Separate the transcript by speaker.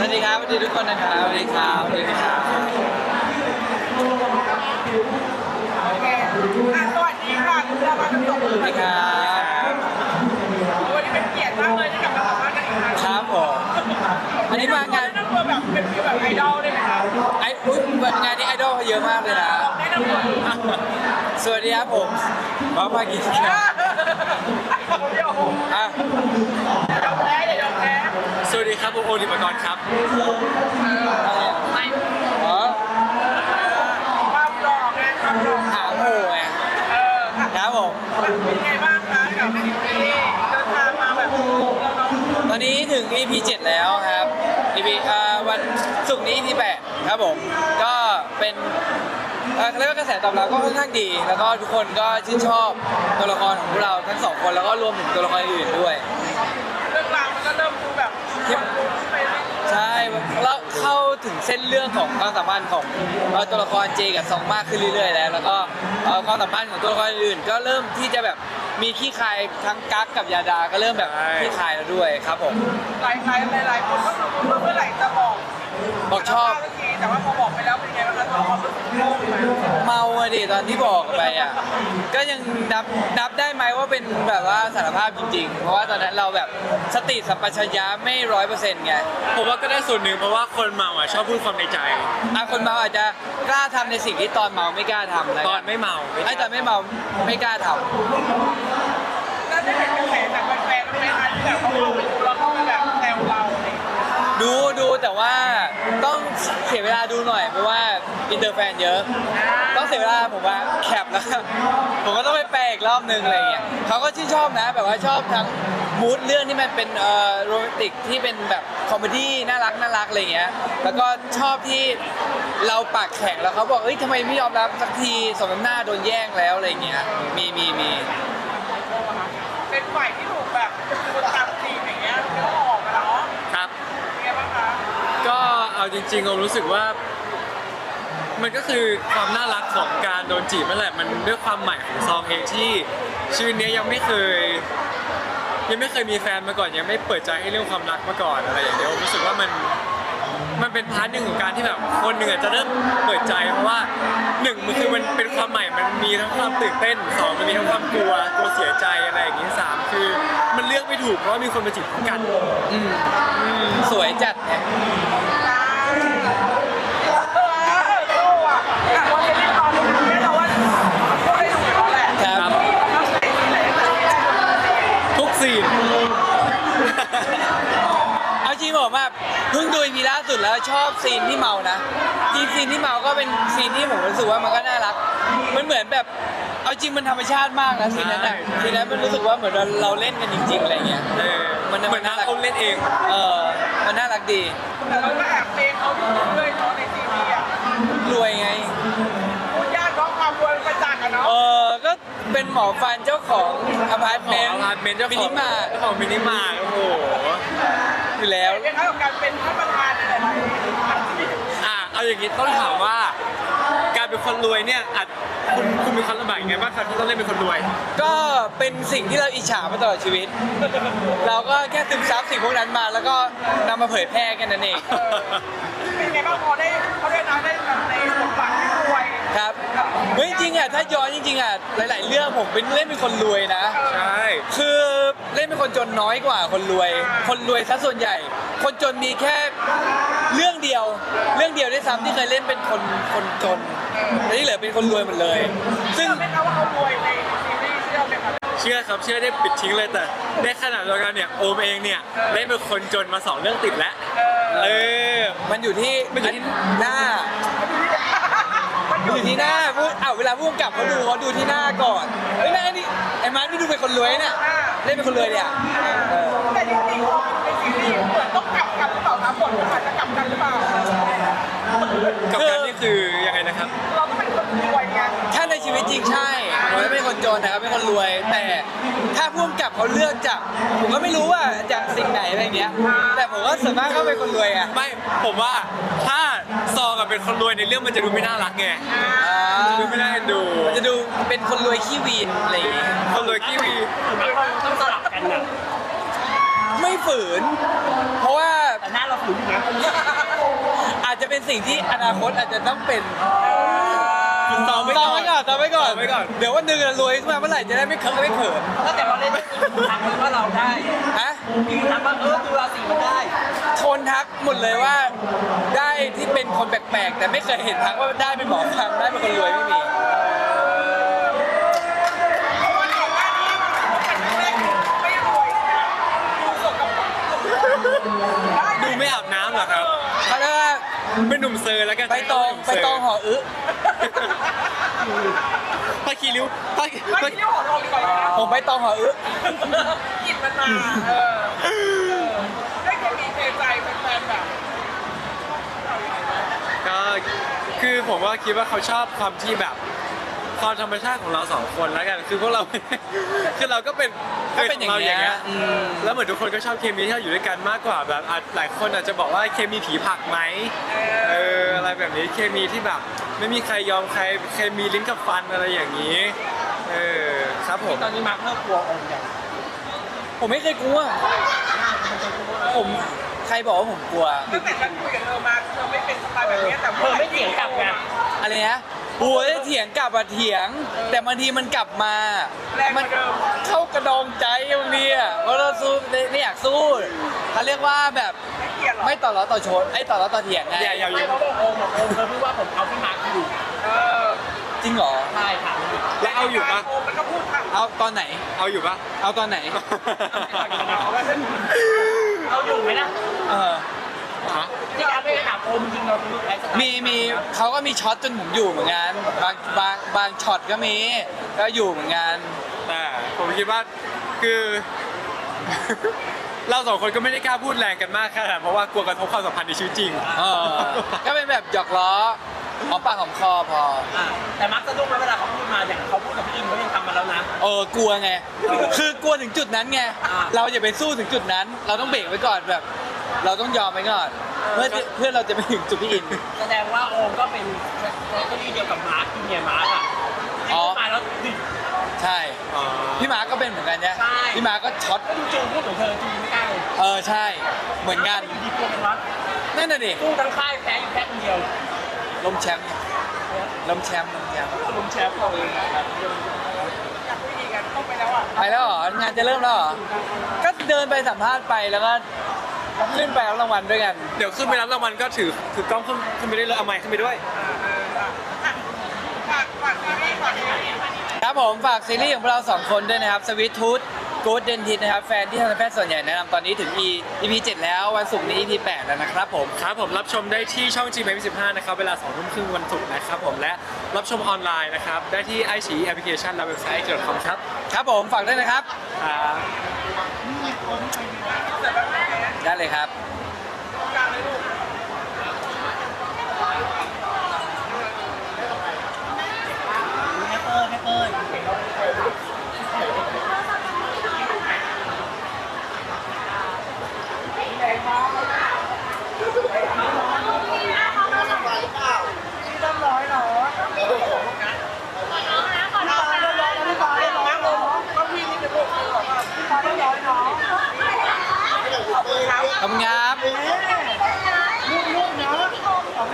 Speaker 1: วัสดีครับสวัสดีทุกคนนะครับสวัสดีครับสวัสดีครับ
Speaker 2: โอเคสวัสดีค่ะคุณเรามาทั้งสองคน
Speaker 1: สวัสดีครับ
Speaker 2: วันนี้เป็นเกียรติมากเลยที่กลับมาสัมภาษณ์กันอีกครั้ง
Speaker 1: ครับผมอันนี้มางาน
Speaker 2: แนะนำตัวแบบเป็นฟีลแบบไอดอลได้ไหมคะ
Speaker 1: งานนี้ไอดอลเขาเยอะมากเลยนะ
Speaker 2: แนะนำตัว
Speaker 1: สวัสดีครับผมบ๊อบภากิจครับ
Speaker 2: เดี๋ยว
Speaker 1: อ่ะ
Speaker 2: ยอมแพ้อย่ายอมแพ้
Speaker 3: สวัสดีครับผมโอลิปกรณ์ครับ
Speaker 2: ไม่
Speaker 1: อ๋อ
Speaker 2: ความหล่อไงความหล่อ
Speaker 1: หาโหไง ครับผม
Speaker 2: เป็นไงบ้างคะกับที่เดินทางมาแบบเราเนาะ
Speaker 1: ตอนนี้ถึง EP 7 แล้วครับ EP วันศุกร์นี้ EP 8 ครับผม ก็เป็นเขาเรียกว่ากระแสตอบรับก็ค่อนข้างดี แล้วก็ทุกคนก็ชื่นชอบตัวละครของพวกเราทั้งสองคนแล้วก็รวมถึงตัวละครอื่นๆด้วย
Speaker 2: เรื่องราวมันก็เริ่มดูแบบไปเรื่อย
Speaker 1: ใช่แล้วเข้าถึงเส้นเรื่องของความสัมพันธ์ของตัวละครเจกับซองมากขึ้นเรื่อยๆแล้วแล้วก็ความสัมพันธ์ของตัวละครอื่นก็เริ่มที่จะแบบมีขี้คายทั้งกั๊กกับยาดาก็เริ่มแบบขี้คายแล้วด้วยครับผม
Speaker 2: หลายคนก็คือเมื่อไหร่จะบอก
Speaker 1: ชอบ
Speaker 2: สักทีแต่ว่าพอบอกไปแล้วเป็นไงบ้างคะตัวความรู้สึกโล่งไหม
Speaker 1: เมาอะดิตอนที่บอกไปอ่ะก็ยังนับได้ไหมว่าเป็นแบบว่าสารภาพจริงๆ เพราะว่าตอนนั้นเราแบบสติสัมปชัญญะไม่100%ไง
Speaker 3: ผมว่าก็ได้ส่วนหนึ่งเพราะว่าคนเมาอ่ะชอบพูดความในใจ
Speaker 1: คนเมาอาจจะกล้าทำในสิ่งที่ตอนเมาไม่กล้าทำนะ
Speaker 3: ตอนไม่เมา
Speaker 1: ไอ้ตอนไม่เมาไม่กล้าทำ
Speaker 2: แล้วได้เห็นกระแสจากแฟนๆไหมคะที่แบบเขาเข้าไปดูแล้วเขาไปแบบแซวเราอะไรอย่างเงี้ย
Speaker 1: ดูแต่ว่าต้องเสียเวลาดูหน่อยเพราะว่าอินเตอร์แฟนเยอะ ต้องเสียเวลาผมว่าแคปแล้ว ผมก็ต้องไปแปลอีกรอบนึงอะไรอย่างเงี้ยเขาก็ชื่นชอบนะแบบว่าชอบทั้งมูดเรื่องที่มันเป็นโรแมนติกที่เป็นแบบคอมเมดี้น่ารักอะไรอย่างเงี้ยแล้วก็ชอบที่เราปากแข็งแล้วเขาบอกเอ้ยทำไมไม่ยอมรับสักทีสมน้ำหน้าโดนแย่งแล้วอะไรอย่างเงี้ยมี
Speaker 2: เป็นฝ่ายที่ถูกแบบคนตามจีบอย่างเงี้ยเดี๋ยวออกมาเนาะ
Speaker 3: ครับ
Speaker 2: เป็นไงบ้างคะ
Speaker 3: ก็เอาจริงๆผมรู้สึกว่า มันก็คือความน่ารักของการโดนจีบนั่นแหละมันด้วยความใหม่ของซองเองที่ชีวิตนี้ยังไม่เคยมีแฟนมาก่อนยังไม่เปิดใจให้เรื่องความรักมาก่อนอะไรอย่างเงี้ยผมรู้สึกว่ามันเป็นพาร์ทหนึ่งของการที่แบบคนหนึ่งอาจจะเริ่มเปิดใจเพราะว่าหนึ่งมันคือมันเป็นความใหม่มันมีทั้งความตื่นเต้นสองมันมีทั้งความกลัวเสียใจอะไรอย่างงี้สามคือมันเลือกไม่ถูกเพราะว่ามีคนมาจีบพร้อมกัน
Speaker 1: สวยจัดเนี่ย
Speaker 2: สู้อ่ะวันนี้ตอนนี้เราว่าก็ได้ดูแล้วแหละ
Speaker 1: ครับ
Speaker 3: ทุกซีน
Speaker 1: เอาจริงผมแบบเพิ่งดูอีพีล่าสุดแล้วชอบซีนที่เมานะซีนที่เมาก็เป็นซีนที่ผมรู้สึกว่ามันก็น่ารักมันเหมือนแบบเอาจริงมันธรรมชาติมากนะซีนนั้นอะซีนนั้นมันรู้สึกว่าเหมือนเราเล่นกันจริงๆอะไรเงี้ย
Speaker 3: เหมือนนักเขาเล่นเอง
Speaker 1: มันน่ารักดี
Speaker 2: แต่เราก็แอบเพลงเขาอยู่ด้วยเนาะในทีวีอ่ะ
Speaker 1: รวยไง
Speaker 2: พูดยากเนาะความรวยประจักษ์อะเนาะ
Speaker 1: ก็เป็นหมอฟันเจ้าของอพาร์ต
Speaker 3: ข
Speaker 1: เม
Speaker 3: อง
Speaker 1: นต์
Speaker 3: อพาร์ตเมนต์เจ้า
Speaker 1: มิ
Speaker 3: ขอ
Speaker 1: นิ
Speaker 3: ง
Speaker 1: มาร์ท
Speaker 3: เจ้าของมินิมาร์ทโอ้โห
Speaker 1: อยู่แล้ว
Speaker 2: เป็นคล้ายกับการเป็นท่านประธานในหลายๆอาชีพ
Speaker 3: เอาอย่างนี้ต้องถามว่า การเป็นคนรวยเนี่ยคุณมีความลำบากยังไงบ้างครับที่ต้องเล่นเป็นคนรวย
Speaker 1: ก็เป็นสิ่งที่เราอิจฉามาตลอดชีวิต เราก็แค่ซึมซับสิ่งพวกนั้นมาแล้วก็นำมาเผยแพร่กันนั่นเอง
Speaker 2: เป็นไงบ้างพอได้เขาได้รับได้แบบในบทบาทที่รวย
Speaker 1: ครับเฮ้ยจริงๆอ่ะถ้าย้อนจริงๆอ่ะหลายๆเรื่องผมเป็นเล่นเป็นคนรวยนะ
Speaker 3: ใช่
Speaker 1: คือเล่นเป็นคนจนน้อยกว่าคนรวย คนรวยซะส่วนใหญ่ คนจนมีแค่เรื่องเดียวด้วยซ้ำที่เคยเล่นเป็นคนจนแต่ที่เหลือเป็นคนรวยหมดเลย ซึ่ง
Speaker 2: ไม่รู้ว่าเขารวยในซีรีส์เชื่อไหมครับ
Speaker 3: เชื่อครับเชื่อได้ปิดทิ้งเลยแต่ในขณะเดียวกันเนี่ยโอมเองเนี่ยเล่นเป็นคนจนมา2เรื่องติดแล้ว
Speaker 1: มันอยู่ที่หน้า
Speaker 2: มันอ
Speaker 1: อยู่ ยู่ที่หน้าพูดเวลาพูดกับเขาดูที่หน้าก่อนเฮ้ยหน้านี่ไอ้มาร์ทนี่ดูเป็นคนรวยเนี่ยเล่นเป็นคนรวยเนี่ย
Speaker 2: แต่จริงๆพอในซีรีส์เหมือนต้องกลับกันหรือเปล่าครับบทมันอาจจะกลับกันหรือเปล่า
Speaker 3: กับการนี่คือยังไงนะครับ
Speaker 2: เราต้องเป็นคนรวยไง
Speaker 1: ถ้าในชีวิตจริงใช่ผมไม่เป็นคนจนนะครับเป็นคนรวย แต่ถ้าพุ่มกับเขาเลือกจากผมก็ไม่รู้ว่าจากสิ่งไหนอะไรเงี้ย แต่ผมก็ส่วนมากก็เป็นคนรวยอ่ะ
Speaker 3: ไม่ผมว่าถ้าซองกับเป็นคนรวยในเรื่องมันจะดูไม่น่ารักไงดูไม่น่าเอ็นดู
Speaker 1: มันจะดูเป็นคนรวยขี้วีนอะไรอย่างเงี้ย
Speaker 3: คนรวยกี้วี
Speaker 2: ต้องสลับกันนะ
Speaker 1: ไม่ฝืน เพราะว่า
Speaker 2: แต่หน้าเราฝืนอยู่นะ
Speaker 1: อาจจะเป็นสิ่งที่อนาคตอาจจะต้องเป็น
Speaker 3: ต่อไว้ก่อน
Speaker 1: ต่อไว้ก่อน
Speaker 3: ต่อไว้ก่อน
Speaker 1: เดี๋ยววันหนึ่งรวยขึ้นมาเมื่อไหร่จะได้ไม่เขิน
Speaker 2: ถ้าแต่เราเล่นทักว่าเราได้
Speaker 1: ฮะ
Speaker 2: มีทักว่าดูราศีมันได้
Speaker 1: โทนทักหมดเลยว่าได้ที่เป็นคนแปลกๆ แต่ไม่เคยเห็นทักว่าได้เป็นหมอฟังได้เป็นคนรวยไม่มี
Speaker 2: วันก่อนหน้านี้ไม่รวยดูสดกับได้
Speaker 3: ดูไม่อาบน้ำเหรอครับ
Speaker 1: เขาเรียกว่า
Speaker 3: เป็นหนุ่มเซอร์แล้วกัน
Speaker 1: ไปตองหออึ
Speaker 3: ผ้าคีริ้วผ้า
Speaker 2: ไม่ที่หัวเราดีกว่านะ
Speaker 1: ผมไปตองหออึ
Speaker 2: กินมันมาได้เคมีเทใจแฟนๆแบบ
Speaker 3: ก็คือผมว่าคิดว่าเขาชอบความที่แบบความธรรมชาติของเราสองคนแล้วกันคือพวกเรา คือเราก็เป็น
Speaker 1: ก็เป็นอย่าง
Speaker 3: เรา
Speaker 1: เงี้ย
Speaker 3: แล้วเหมือนทุกคนก็ชอบเคมีที่เราอยู่ด้วยกันมากกว่าแบบหลายคนอาจจะบอกว่าเคมีผีผักไหมอะไรแบบนี้เคมีที่แบบไม่มีใครยอมใครเคมีลิ้นกับฟันอะไรอย่างนี้ครับผม
Speaker 2: ตอนนี้มาร์คเริ่มกลัวองค์อย่าง
Speaker 1: ผมไม่เคยกลัว ผมใครบอกว่าผมกลัว
Speaker 2: ตั้งแต่ฉันคุยกับเธอมาเธอไม่เป็นสไตล์แบบนี้แต่เธอไม่เถียงกลับไง
Speaker 1: อะไรนะโอ้ยเถียงกลับอะเถียง แต่บางทีมันกลับมา
Speaker 2: แรงกว่าเดิม
Speaker 1: เข้ากระดองใจบางทีอะเพราะเราสู้ไม่อยากสู้เขาเรียกว่าแบบ
Speaker 2: ไม่เกลียดหรอ
Speaker 1: ไม่ต่อล้อต่อชนไอ้ต่อล้อต่อเถียงไง
Speaker 3: อย่า
Speaker 2: ไม่เขาบอกองค์เธอพูดว่าผมเอาพี่มาร์คอยู่อ
Speaker 1: จริงเหรอ
Speaker 2: ใช่ค่ะ
Speaker 3: แล้วเอาอยู่ปะ
Speaker 2: องค์มันก็พูดค่ะ
Speaker 1: เอาตอนไหน
Speaker 3: เอาอยู่ปะ
Speaker 1: เอาตอนไหน
Speaker 2: เอาอยู่ไหมนะ
Speaker 1: เออ
Speaker 3: ฮะ
Speaker 2: ที่การไปถามโอมจริงเราดูไลฟ์สไตล์
Speaker 1: มีเขาก็มีช็อตจนผมอยู่เหมือนกันบางช็อตก็มีก็อยู่เหมือนกัน
Speaker 3: แต่ผมคิดว่าคือ เราสองคนก็ไม่ได้กล้าพูดแรงกันมากขนาดนั้นเพราะว่ากลัวกระทบความสัมพันธ์ในชีวิตจริง
Speaker 1: เออก็เป็นแบบหยอกล้อหอมปากหอมคอพอ
Speaker 2: แต่มักสะดุ้งแล้วเวลาเขาพูดมาอย่างเขาพูดกับพี่อินเขายังทำมาแล้วนะ
Speaker 1: กลัวไง คือกลัวถึงจุดนั้นไง
Speaker 2: อ่า
Speaker 1: เราอย่าไปสู้ถึงจุดนั้น เราต้องเบรกไว้ก่อนแบบ เราต้องยอมไว้ก่อน เพื่อเราจะไปถึงจุดพี่อิน
Speaker 2: แสดงว่าโอมก็เป็นแคตตาล็อกเดียวกับมาร์คจูเนียร์มาร์คอ่ะที่พูดมาแล้วดิ
Speaker 1: ใช่ พี่มาร์คก็เป็นเหมือนกันเนี่ย
Speaker 2: ใช่
Speaker 1: พี่มาร์คก็ช็อต
Speaker 2: ก็ดูจูพูดของเธอจูไม่กล้าเลย
Speaker 1: ใช่ เหมือนกัน
Speaker 2: อยู่ดีกลัวเป็นวัด
Speaker 1: นั่นน่ะดิ
Speaker 2: สู้ทั้งค่ายแพ้อยู่แค่คนเดียว
Speaker 1: ล้มแชมป์ล้มแชมป์
Speaker 2: ลุมแชมป์เราเองครับอยากคุยดีกันเข้าไปแล้วอ่ะ
Speaker 1: ไปแล้วเหรอ งานจะเริ่มแล้วเหรอ ก็เดินไปสัมภาษณ์ไปแล้วก็ขึ้นไปรับรางวัลด้วยกัน
Speaker 3: เดี๋ยวขึ้นไปรับรางวัลก็ถือกล้องขึ้นไปได้เลยเอาไมค์ขึ้นไปด้วย
Speaker 2: ฝากซีรีส์ฝากซีรีส์
Speaker 1: ครับผมฝากซีรีส์ของพวกเราสองคนด้วยนะครับสวิตทูธกู๊ดเดนทิสนะครับแฟนที่ทันตแพทย์ส่วนใหญ่แนะนำตอนนี้ถึง EP 7 แล้ววันศุกร์นี้ EP 8 แล้วนะครับผม
Speaker 3: ครับผมรับชมได้ที่ช่อง GMM15 นะครับเวลา 2 ทุ่มครึ่งวันศุกร์นะครับผมและรับชมออนไลน์นะครับได้ที่ iQIYI แอปพลิเคชันและเว็บไซต์ .com ครับ
Speaker 1: ครับผมฝากด้วยนะครับ
Speaker 3: ครับ
Speaker 1: ได้เลยครับ